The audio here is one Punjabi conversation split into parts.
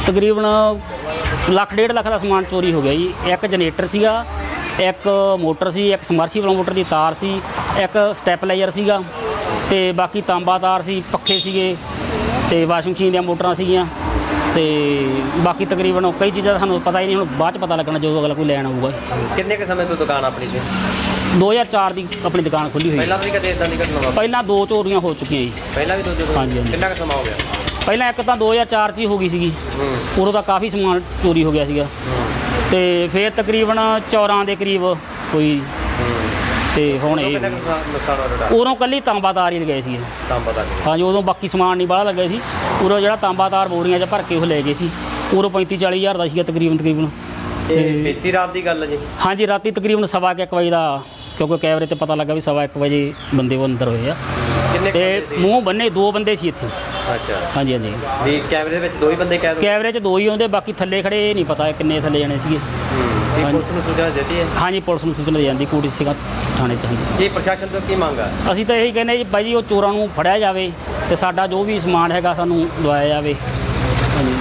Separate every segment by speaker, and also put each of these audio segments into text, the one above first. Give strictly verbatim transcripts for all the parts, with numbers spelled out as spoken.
Speaker 1: तकरीबन ਲੱਖ डेढ़ ਲੱਖ का समान चोरी हो गया जी। एक जनरेटर ਸੀਗਾ, एक मोटर सी, एक समरसीबल मोटर की तार सी, एक स्टैपलाइजर ਸੀਗਾ ਤੇ बाकी तांबा तार सी, पखे ਸੀਗੇ ਤੇ वाशिंग मशीन ਦੀਆਂ मोटरां ਸੀਗੀਆਂ ਤੇ बाकी तकरीबन कई चीज़ां ਸਾਨੂੰ पता ही नहीं, ਹੁਣ ਬਾਅਦ 'ਚ पता लगना जो अगला कोई लैन आऊगा।
Speaker 2: ਕਿੰਨੇ ਕੁ ਸਮੇਂ ਤੋਂ ਦੁਕਾਨ ਆਪਣੀ ਸੀ?
Speaker 1: दो हज़ार चार ਦੀ ਆਪਣੀ ਦੁਕਾਨ ਖੁੱਲੀ ਹੋਈ।
Speaker 2: ਪਹਿਲਾਂ ਵੀ ਕਦੇ ਇਦਾਂ ਦੀ ਘਟਨਾ ਵਾਪਰੀ?
Speaker 1: ਪਹਿਲਾਂ ਦੋ ਚੋਰੀਆਂ ਹੋ ਚੁੱਕੀਆਂ ਜੀ।
Speaker 2: ਪਹਿਲਾਂ ਵੀ ਦੋ ਚੋਰੀਆਂ?
Speaker 1: ਹਾਂਜੀ ਹਾਂਜੀ।
Speaker 2: ਕਿੰਨਾ ਕੁ ਸਮਾਂ ਹੋ ਗਿਆ?
Speaker 1: ਪਹਿਲਾਂ ਇੱਕ ਤਾਂ ਦੋ ਹਜ਼ਾਰ ਚਾਰ 'ਚ ਹੀ ਹੋ ਗਈ ਸੀਗੀ, ਉਦੋਂ ਤਾਂ ਕਾਫੀ ਸਮਾਨ ਚੋਰੀ ਹੋ ਗਿਆ ਸੀਗਾ ਤੇ ਫਿਰ ਤਕਰੀਬਨ ਚੌਰਾਂ ਦੇ ਕਰੀਬ ਹੋਈ ਤੇ ਹੁਣ ਇਹ ਉਦੋਂ ਕੱਲੀ ਤਾਂਬਾਤਾਰ ਹੀ ਲਗਾਏ ਸੀ।
Speaker 2: ਤਾਂਬਾਤਾਰ? ਹਾਂਜੀ,
Speaker 1: ਉਦੋਂ ਬਾਕੀ ਸਮਾਨ ਨਹੀਂ ਬਾਹਲਾ ਲੱਗਾ ਸੀ। ਉਦੋਂ ਜਿਹੜਾ ਤਾਂਬਾਤਾਰ ਬੋਰੀਆਂ 'ਚ ਭਰ ਕੇ ਉਹ ਲੈ ਗਏ ਸੀ, ਉਦੋਂ ਪੈਂਤੀ ਚਾਲੀ ਹਜ਼ਾਰ ਦਾ ਸੀਗਾ ਤਕਰੀਬਨ ਤਕਰੀਬਨ
Speaker 2: ਇਹ ਬੀਤੀ ਰਾਤ ਦੀ ਗੱਲ ਹੈ ਜੀ?
Speaker 1: ਹਾਂਜੀ, ਰਾਤੀ ਤਕਰੀਬਨ ਸਵਾ ਕੁ ਇੱਕ ਵਜੇ ਦਾ, ਕਿਉਂਕਿ ਕੈਮਰੇ ਤੇ ਪਤਾ ਲੱਗਾ ਵੀ ਸਵਾ ਇੱਕ ਵਜੇ ਬੰਦੇ ਉਹ ਅੰਦਰ ਹੋਏ ਆ ਤੇ ਮੂੰਹ ਬੰਨੇ ਦੋ ਬੰਦੇ ਸੀ ਇੱਥੇ।
Speaker 2: ਅੱਛਾ।
Speaker 1: ਹਾਂਜੀ ਹਾਂਜੀ।
Speaker 2: ਵੀ ਕੈਮਰੇ ਦੇ ਵਿੱਚ ਦੋ ਹੀ ਬੰਦੇ ਕੈਦ ਹੋਏ?
Speaker 1: ਕੈਮਰੇ 'ਚ ਦੋ ਹੀ ਆਉਂਦੇ, ਬਾਕੀ ਥੱਲੇ ਖੜੇ ਨਹੀਂ ਪਤਾ ਕਿੰਨੇ ਥੱਲੇ ਜਾਣੇ ਸੀਗੇ।
Speaker 2: ਪੁਲਿਸ ਨੂੰ ਸੂਚਨਾ ਦਿੱਤੀ ਹੈ? ਹਾਂਜੀ,
Speaker 1: ਪੁਲਿਸ ਨੂੰ ਸੂਚਨਾ ਦੇ ਜਾਂਦੀ ਕੋਟੀ ਸਿੰਘਾਂ ਥਾਣੇ 'ਚ। ਹਾਂਜੀ।
Speaker 2: ਕੀ ਪ੍ਰਸ਼ਾਸਨ ਤੋਂ ਕੀ ਮੰਗ ਆ?
Speaker 1: ਅਸੀਂ ਤਾਂ ਇਹੀ ਕਹਿੰਦੇ ਜੀ ਬਾਈ ਜੀ, ਉਹ ਚੋਰਾਂ ਨੂੰ ਫੜਿਆ ਜਾਵੇ ਤੇ ਸਾਡਾ ਜੋ ਵੀ ਸਮਾਨ ਹੈਗਾ ਸਾਨੂੰ ਦਵਾਇਆ ਜਾਵੇ। ਹਾਂਜੀ।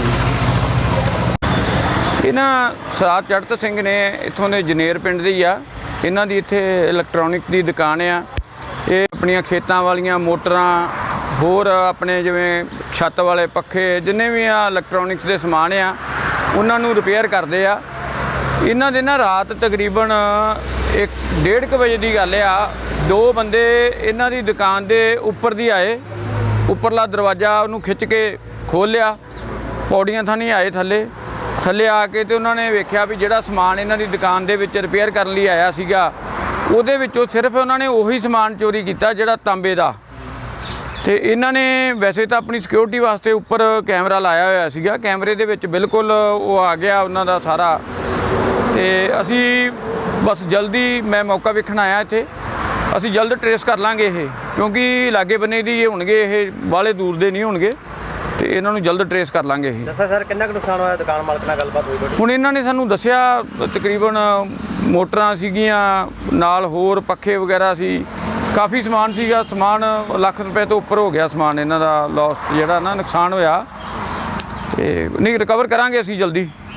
Speaker 3: ਇਹਨਾਂ ਸਰਦਾਰ ਚੜ੍ਹਤ ਸਿੰਘ ਨੇ ਇੱਥੋਂ ਦੇ ਜਨੇਰ ਪਿੰਡ ਦੇ ਹੀ ਆ। ਇਹਨਾਂ ਦੀ ਇੱਥੇ ਇਲੈਕਟ੍ਰੋਨਿਕ ਦੀ ਦੁਕਾਨ ਆ। ਇਹ ਆਪਣੀਆਂ ਖੇਤਾਂ ਵਾਲੀਆਂ ਮੋਟਰਾਂ, ਹੋਰ ਆਪਣੇ ਜਿਵੇਂ ਛੱਤ ਵਾਲੇ ਪੱਖੇ, ਜਿੰਨੇ ਵੀ ਆ ਇਲੈਕਟ੍ਰੋਨਿਕਸ ਦੇ ਸਮਾਨ ਆ ਉਹਨਾਂ ਨੂੰ ਰਿਪੇਅਰ ਕਰਦੇ ਆ। ਇਹਨਾਂ ਦੇ ਨਾ ਰਾਤ ਤਕਰੀਬਨ ਇੱਕ ਡੇਢ ਕੁ ਵਜੇ ਦੀ ਗੱਲ ਆ, ਦੋ ਬੰਦੇ ਇਹਨਾਂ ਦੀ ਦੁਕਾਨ ਦੇ ਉੱਪਰ ਦੀ ਆਏ, ਉੱਪਰਲਾ ਦਰਵਾਜ਼ਾ ਉਹਨੂੰ ਖਿੱਚ ਕੇ ਖੋਲ੍ਹ ਲਿਆ, ਪੌੜੀਆਂ ਥਾਣੀ ਆਏ ਥੱਲੇ ਥੱਲੇ ਆ ਕੇ ਤੇ ਉਹਨਾਂ ਨੇ ਵੇਖਿਆ ਵੀ ਜਿਹੜਾ ਸਮਾਨ ਇਹਨਾਂ ਦੀ ਦੁਕਾਨ ਦੇ ਵਿੱਚ ਰਿਪੇਅਰ ਕਰਨ ਲਈ ਆਇਆ ਸੀਗਾ ਉਹਦੇ ਵਿੱਚੋਂ ਸਿਰਫ ਉਹਨਾਂ ਨੇ ਉਹੀ ਸਮਾਨ ਚੋਰੀ ਕੀਤਾ ਜਿਹੜਾ ਤਾਂਬੇ ਦਾ। ਤੇ ਇਹਨਾਂ ਨੇ ਵੈਸੇ ਤਾਂ ਆਪਣੀ ਸਿਕਿਉਰਿਟੀ ਵਾਸਤੇ ਉੱਪਰ ਕੈਮਰਾ ਲਾਇਆ ਹੋਇਆ ਸੀਗਾ, ਕੈਮਰੇ ਦੇ ਵਿੱਚ ਬਿਲਕੁਲ ਉਹ ਆ ਗਿਆ ਉਹਨਾਂ ਦਾ ਸਾਰਾ। ਤੇ ਅਸੀਂ ਬਸ ਜਲਦੀ, ਮੈਂ ਮੌਕਾ ਵੇਖਣ ਆਇਆ ਇੱਥੇ, ਅਸੀਂ ਜਲਦ ਟਰੇਸ ਕਰ ਲਾਂਗੇ ਇਹ, ਕਿਉਂਕਿ ਲਾਗੇ ਬੰਨੇ ਦੀ ਇਹ ਹੋਣਗੇ, ਇਹ ਬਾਹਲੇ ਦੂਰ ਦੇ ਨਹੀਂ ਹੋਣਗੇ ਤੇ ਇਹਨਾਂ ਨੂੰ ਜਲਦ ਟਰੇਸ ਕਰ ਲਾਂਗੇ ਇਹ।
Speaker 2: ਦੱਸਿਆ ਸਰ ਕਿੰਨਾ ਕੁ ਨੁਕਸਾਨ ਹੋਇਆ? ਦੁਕਾਨ ਮਾਲਕ ਨਾਲ ਗੱਲਬਾਤ ਹੋਈ ਤੁਹਾਡੀ?
Speaker 3: ਹੁਣ ਇਹਨਾਂ ਨੇ ਸਾਨੂੰ ਦੱਸਿਆ ਤਕਰੀਬਨ ਮੋਟਰਾਂ ਸੀਗੀਆਂ, ਨਾਲ ਹੋਰ ਪੱਖੇ ਵਗੈਰਾ ਸੀ, ਕਾਫੀ ਸਮਾਨ ਸੀਗਾ। ਸਮਾਨ ਲੱਖ ਰੁਪਏ ਤੋਂ ਉੱਪਰ ਹੋ ਗਿਆ ਸਮਾਨ ਇਹਨਾਂ ਦਾ, ਲਾਸ ਜਿਹੜਾ ਨਾ ਨੁਕਸਾਨ ਹੋਇਆ। ਤੇ ਨਹੀਂ, ਰਿਕਵਰ ਕਰਾਂਗੇ ਅਸੀਂ ਜਲਦੀ।